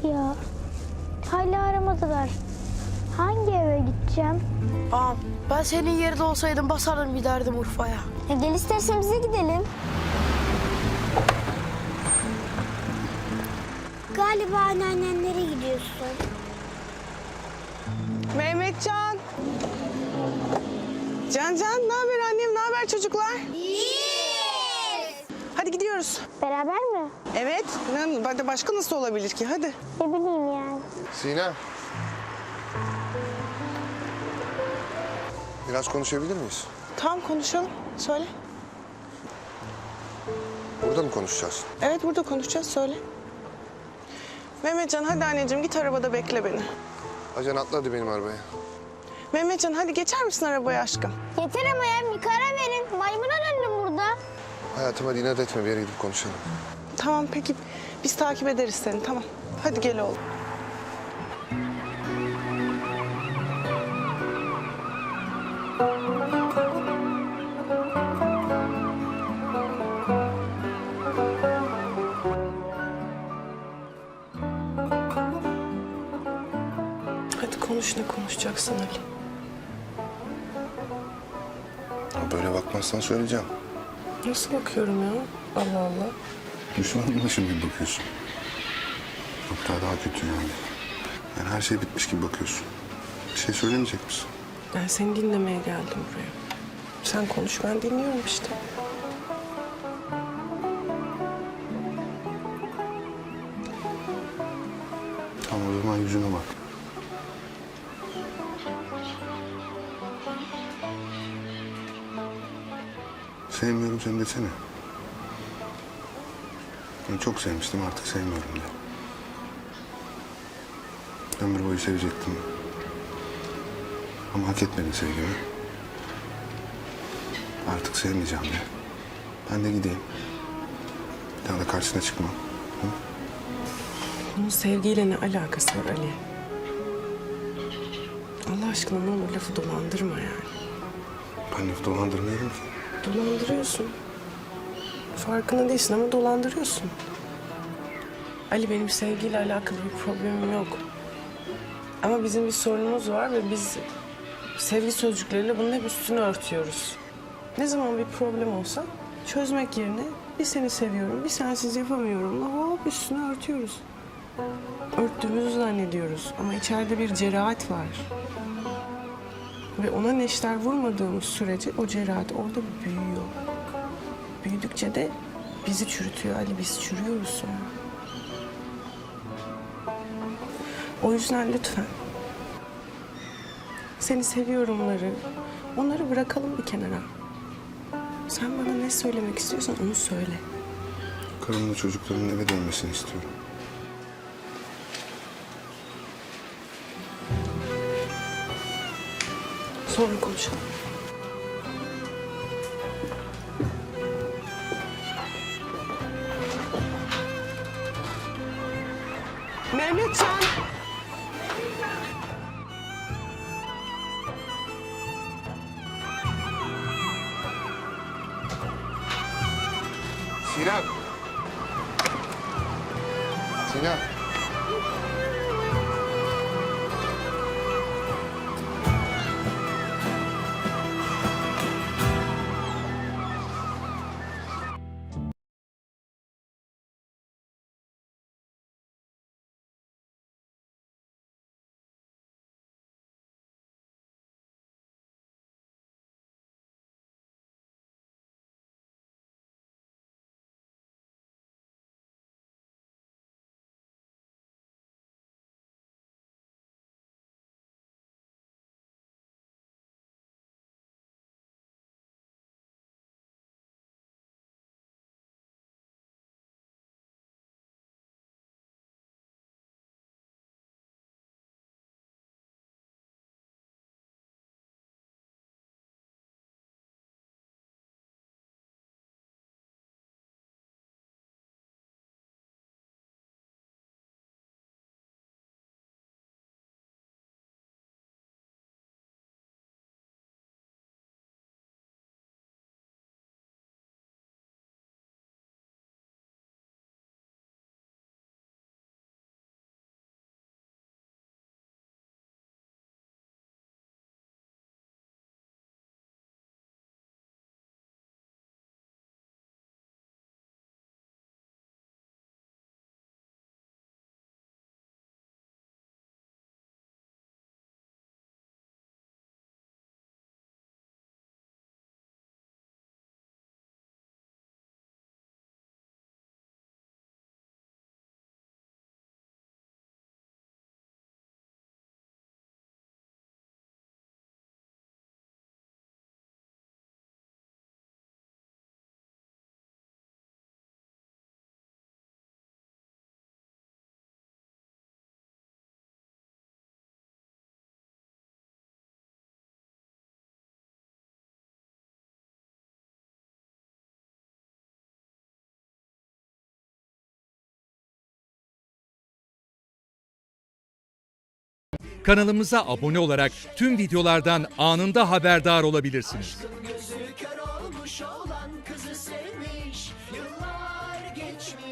Ya hala aramadılar. Hangi eve gideceğim? Ağam ben senin yerinde olsaydım basardım giderdim Urfa'ya. Gel istersen bize gidelim. Galiba anneannenlere gidiyorsun. Mehmetcan. Can, ne haber annem, ne haber çocuklar? Hadi gidiyoruz. Beraber mi? Evet, başka nasıl olabilir ki? Hadi. Ne bileyim yani. Sinem. Biraz konuşabilir miyiz? Tamam konuşalım. Söyle. Burada mı konuşacağız? Evet burada konuşacağız. Söyle. Mehmetcan hadi anneciğim git arabada bekle beni. Acan atla hadi benim arabaya. Mehmetcan hadi geçer misin arabaya aşkım? Yeter ama ya bir karar verin. Maymuna döndüm burada. Hayatım hadi inat etme, bir yere gidip konuşalım. Tamam peki biz takip ederiz seni tamam. Hadi gel oğlum. Hadi konuş ne konuşacaksın Ali? Ya böyle bakmazsan söyleyeceğim. Nasıl bakıyorum ya? Allah Allah. Düşmanmışım gibi bakıyorsun. Hatta daha kötü yani. Yani her şey bitmiş gibi bakıyorsun. Bir şey söylemeyecek misin? Ben seni dinlemeye geldim buraya. Sen konuş ben dinliyorum işte. Tamam o zaman yüzüne bak. Sevmiyorum seni desene. Ben çok sevmiştim, artık sevmiyorum de. Ömür boyu sevecektim. Ama hak etmedin sevgimi. Artık sevmeyeceğim de. Ben de gideyim. Bir daha da karşısına çıkmam. Hı? Bunun sevgiyle ne alakası var Ali? Allah aşkına ne olur lafı dolandırma yani. Ben lafı dolandırmıyorum ki. Dolandırıyorsun. Farkında değilsin ama dolandırıyorsun. Ali benim sevgiyle alakalı bir problemim yok. Ama bizim bir sorunumuz var ve biz sevgi sözcükleriyle bunun hep üstünü örtüyoruz. Ne zaman bir problem olsa çözmek yerine bir seni seviyorum, bir sensiz yapamıyorum. Hop üstünü örtüyoruz. Örttüğümüzü zannediyoruz ama içeride bir cerahat var. Ve ona neşter vurmadığımız sürece o cerahat orada büyüyor. Büyüdükçe de bizi çürütüyor Ali, biz çürüyoruz sonra. O yüzden lütfen seni seviyorumları, onları bırakalım bir kenara. Sen bana ne söylemek istiyorsan onu söyle. Karımla çocukların eve dönmesini istiyorum. Sonra konuşalım. Mehmetcan! Sinem! Sinem! Kanalımıza abone olarak tüm videolardan anında haberdar olabilirsiniz. Gözü kör olmuş olan kızı sevmiş. Yıllar geçmiş.